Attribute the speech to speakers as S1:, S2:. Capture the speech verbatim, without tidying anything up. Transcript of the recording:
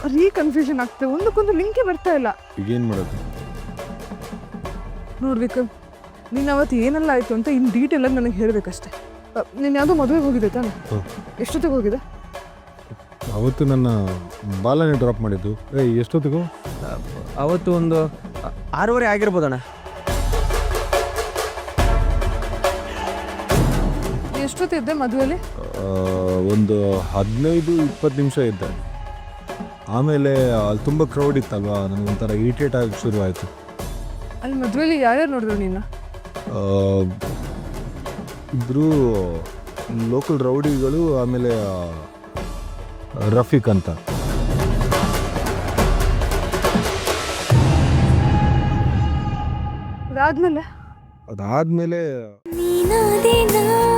S1: ರೀ ಕನ್ಫ್ಯೂಷನ್ ಆಗ್ತದೆ, ಒಂದಕ್ಕೊಂದು ಲಿಂಕೇ ಬರ್ತಾ ಇಲ್ಲ.
S2: ಈಗೇನು ಮಾಡೋದು?
S1: ನೋಡ್ಬೇಕು, ನೀನು ಅವತ್ತು ಏನೆಲ್ಲ ಆಯಿತು ಅಂತ ಇನ್ನು ಡೀಟೇಲಾಗಿ ನನಗೆ ಹೇಳಬೇಕಷ್ಟೆ. ನೀನು ಯಾವುದೋ ಮದುವೆಗೆ ಹೋಗಿದೆ ತಾನೆ? ಎಷ್ಟೊತ್ತಿಗೆ ಹೋಗಿದೆ?
S2: ಅವತ್ತು ನನ್ನ ಬಾಲನೇ ಡ್ರಾಪ್ ಮಾಡಿದ್ದು. ಏ ಎಷ್ಟೊತ್ತಿಗೂ?
S3: ಅವತ್ತು ಒಂದು ಆರೂವರೆ ಆಗಿರ್ಬೋದಣ್ಣ.
S1: ಎಷ್ಟೊತ್ತಿದ್ದೆ ಮದುವೆಯಲ್ಲಿ?
S2: ಒಂದು ಹದಿನೈದು ಇಪ್ಪತ್ತು ನಿಮಿಷ ಇದ್ದೆ. ಆಮೇಲೆ ಅಲ್ಲಿ ತುಂಬ ಕ್ರೌಡ್ ಇತ್ತಲ್ವಾ, ನನಗೊಂಥರ ಇರಿಟೇಟ್ ಆಗಿ ಶುರುವಾಯಿತು.
S1: ಅಲ್ಲಿ ಮದುವೆಯಲ್ಲಿ ಯಾರ್ಯಾರು ನೋಡಿದ್ರು ನೀನು?
S2: ಇಬ್ಬರು ಲೋಕಲ್ ರೌಡಿಗಳು, ಆಮೇಲೆ ರಫೀಕ್ ಅಂತ.
S1: ಅದಾದ್ಮೇಲೆ
S2: ಅದಾದಮೇಲೆ
S4: ನೀನಾದೆ ನಾ